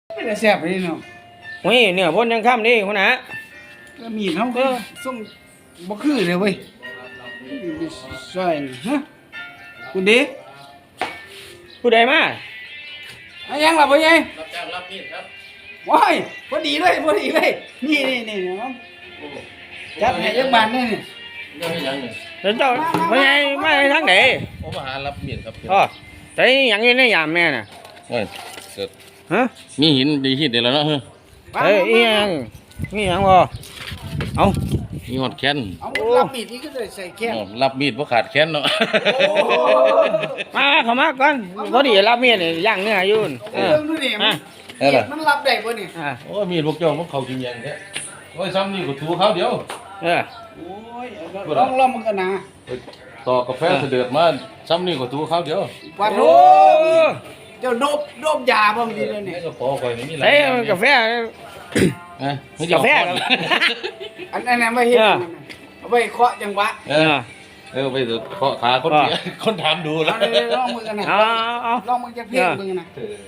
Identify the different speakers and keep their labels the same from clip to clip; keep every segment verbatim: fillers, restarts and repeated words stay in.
Speaker 1: ไม่ได้แซ่บเลยเนาะ
Speaker 2: เฮ้ยเนี่ยพ่นยังค่ำนี่คนนะ
Speaker 1: แล้วมีดเขาก็ส่งบ่คือเลยเว้ยใช่ฮะคุณดี
Speaker 2: ผู้ใดมา
Speaker 1: อะยังล่ะพ่อใหญ่
Speaker 3: รับจ้างรับมีดครับ
Speaker 1: ว้ายพอดีเลยพอดีเลยนี่นี่นี่เนาะจัดให้ยักบานนี่นี่
Speaker 3: เรื่องให้ยังเนี่ย
Speaker 2: เดี๋ยวเจ้าไม่ไงไม่ทางไหน
Speaker 3: ผมมาหารับมีดครับ
Speaker 2: อ๋อใส่หยังอยืนในยามแม่น่ะ
Speaker 3: โอ้ยเกิด
Speaker 2: ฮะ
Speaker 3: มีหินดีหินเดี๋ยวแล้วเนาะเฮ้ย
Speaker 2: เฮ้ยอีหยังนี่หยังบ่เอา
Speaker 3: มีหอดแค้น
Speaker 1: เอารับมีดนี่ก็เลยใส่แก้ว
Speaker 3: อ๋อรับมีดเพราะขาดแค้นเนาะ
Speaker 2: มาเข้ามาก่อนพอดีรับเมียนี่ย่างเนื้ออยู่นั่นเอ
Speaker 1: เอ
Speaker 2: อ
Speaker 1: อดูนี่มั
Speaker 2: อ่ะ
Speaker 1: นมีดมันรับได้บ่นี่
Speaker 2: อ่ะ
Speaker 3: โอ้ยมีดพวกเจ้ามันเขากินยังแท้โอ้ยซ้ำนี่ก็ถูเขาเดียว
Speaker 2: เออ
Speaker 1: โอ้ยลองลองมันกันนะ
Speaker 3: ต่อกาแฟเสด็จมาซ้ำนี่ก็ถูเขาเดียว
Speaker 1: ว่าโธ่เจ้าโดบโดบยาบ่ดีเลยนี่
Speaker 3: นี่ก็พอคอยนี่มีหลา
Speaker 2: ใส่
Speaker 3: ยอย่าง
Speaker 2: กาแฟ
Speaker 3: นะไม่
Speaker 2: กาแฟ
Speaker 3: เอ
Speaker 1: อันนั้นไว้เฮ็ดเอาไว้เคาะจังหวะ
Speaker 3: เออเออไปเถอะเคาะขาคนเสียคนถามดูแล้
Speaker 1: เอา
Speaker 3: ว
Speaker 1: เลยลองมือกันนะ
Speaker 2: เอาเอา
Speaker 1: ลองมือจะเพ่งมือนะ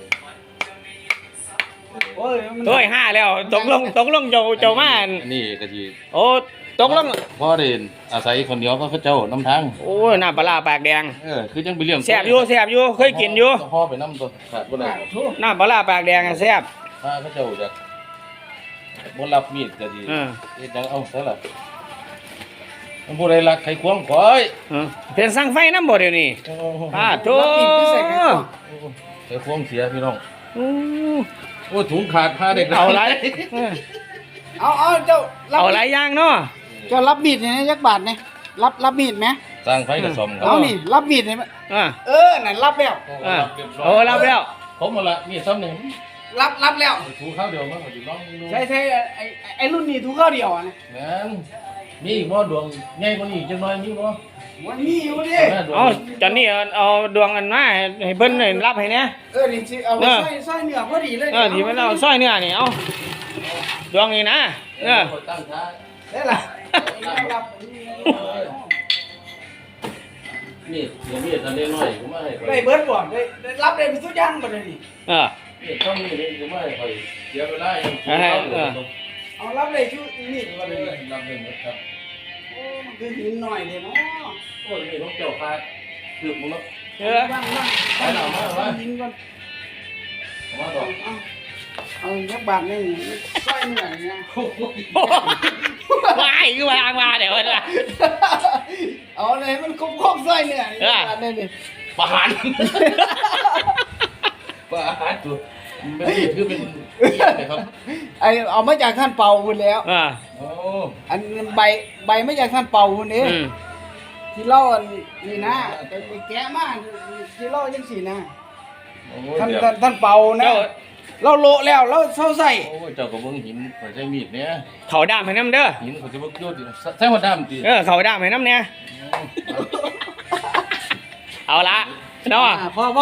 Speaker 1: โอ้ยมัน
Speaker 2: โอ้ยห้าแล้วตกลงตกลงเจ้าเจ้ามาอัน
Speaker 3: อันนี่ก็ที
Speaker 2: โอ้ตกลง
Speaker 3: พ่อเด่นอาศัยคนเดียวก็เขาเจ้าน้ำทาง
Speaker 2: โอ้ยหน้าปลาร้าปากแดง
Speaker 3: เออคือจังไปเลี้ยง
Speaker 2: แซ่บอยู่แซ่บอยู่เคยกินอยู่
Speaker 3: พ่อไปน้ำตัวขาดบ่ได้
Speaker 1: โธ่
Speaker 2: หน้าปลาร้าปากแดงอะแซ่บ
Speaker 3: ถ้าเขาเจ้าจะบ่รับมีดก็ดี
Speaker 2: เออ
Speaker 3: เฮ็ดจังเอาซะล่ะมันบ่ได้รักใครควงข่อย
Speaker 2: เออเป็นสั่งไฟน้ำบ่เดี๋ยวนี้
Speaker 3: โอ้โห
Speaker 2: ป้าโถ
Speaker 1: รับมีดคือใส่กันก่อน
Speaker 3: ใครควงเสียพี่น้อง
Speaker 2: อู้
Speaker 3: โอ้ถุงขาดพาเด็ก
Speaker 2: เอาไรเออ
Speaker 1: เอาเอาเจ้ารับ
Speaker 2: เอาไรย่างเนาะ
Speaker 1: เจ้ารับมีดเนี่ยยักบาทเนี่ยรับรับมีดไหม
Speaker 3: สร้างไฟกับซ่อมครั
Speaker 1: เอานี่รับมีดเนี่ย
Speaker 2: อ่า
Speaker 1: เออนั่นรับแล้ว
Speaker 2: อ่าโอ้รับแล้ว
Speaker 3: ผมมาละมีดซ้ำหนึ่ง
Speaker 1: รับรับแล้ว
Speaker 3: ถูข้าวเดียวมันก็อยู่น้องดู
Speaker 1: ใช่ใช่ไอ้ไอ้ไอ้รุ่นนี้ทุกข้าวเดียวอ่ะนะ
Speaker 3: นั่นมีอีกบ่ดวงใหญ่กว่านี้จังน้อยมีบ่
Speaker 1: มันมีอยู่ดิ
Speaker 3: แม่ดวง
Speaker 2: เอาจอนนี่เอาเอาดวงอันมาให้เพิ่นให้รับให้แหน่
Speaker 1: เออนี่สิเอาไป
Speaker 2: เออ
Speaker 1: ใส่ใส่เนื้อพอดีเลย
Speaker 2: เออที่มันเอาสร้อยเนื้อนี่เอาดวงนี่นะเออ
Speaker 3: ตั้งท่า
Speaker 1: ได้ล่ะรับ
Speaker 3: มีดเดี๋ยวมีดทันได้น้อยผมมาให้ข่อย
Speaker 1: ได้เบิร์ดบ่ได้ได้รับได้เป็นทุกอย่างบ่ได้นี่
Speaker 2: เออ
Speaker 3: มีดต้องมีดผมมาให้ข่อยเสียเวลาอย่าง
Speaker 2: เออเออ
Speaker 1: เอารับได้ชุดนี่บ่ได้นี่
Speaker 3: รับได้หมดครับ
Speaker 1: โอ้มันคือหินหน่อยเด้เนาะ
Speaker 3: โอ้ยมีดของเจ้าคาดคือมึงเนาะ
Speaker 2: เออ
Speaker 1: บ้างบ้าง
Speaker 3: ไปหน่อยมามา
Speaker 1: หินก่อน
Speaker 3: เอามา
Speaker 1: เอา
Speaker 3: ต่อ
Speaker 1: เอาเอายักบาทนี่ใส่เนื้อนี่นะ
Speaker 2: ว้ายคือวางมาเดี๋ยวมันละ
Speaker 1: เอาเลยมันครบครบใส่เนื้อนี่ยักบาทนี่นี่
Speaker 3: ประหารประหารตัวไม่ได้คือเป็นเหี้ยเลยครับ
Speaker 1: ไอเอามาจากท่านเป่าพุ่นแล้ว
Speaker 2: อ่า
Speaker 3: โอ้
Speaker 1: อันใบใบมาจากท่านเป่าพุ่นเด้
Speaker 2: อืม
Speaker 1: ที่เล่าอันนี่นะแต่ไปแกะมาที่เล่าจังสี่นะ
Speaker 3: โอ้
Speaker 1: ท่าน
Speaker 3: เดี๋ยว
Speaker 1: ท่านท่านเป่านะ
Speaker 2: เจ้า
Speaker 1: เราโละแล้วเราเศร้าใส่
Speaker 3: โอ้เจ้าก็เบิ่งหินข่อยใช้มีดเนี่ย
Speaker 2: เขาดามให้น้ำเด้อ
Speaker 3: หินข่อยจะบ่โยดดิใช้หัวดำติ
Speaker 2: เออเขาดามให้น้ำเนี่ยเอาละเนาะ
Speaker 1: อ่าพอพอ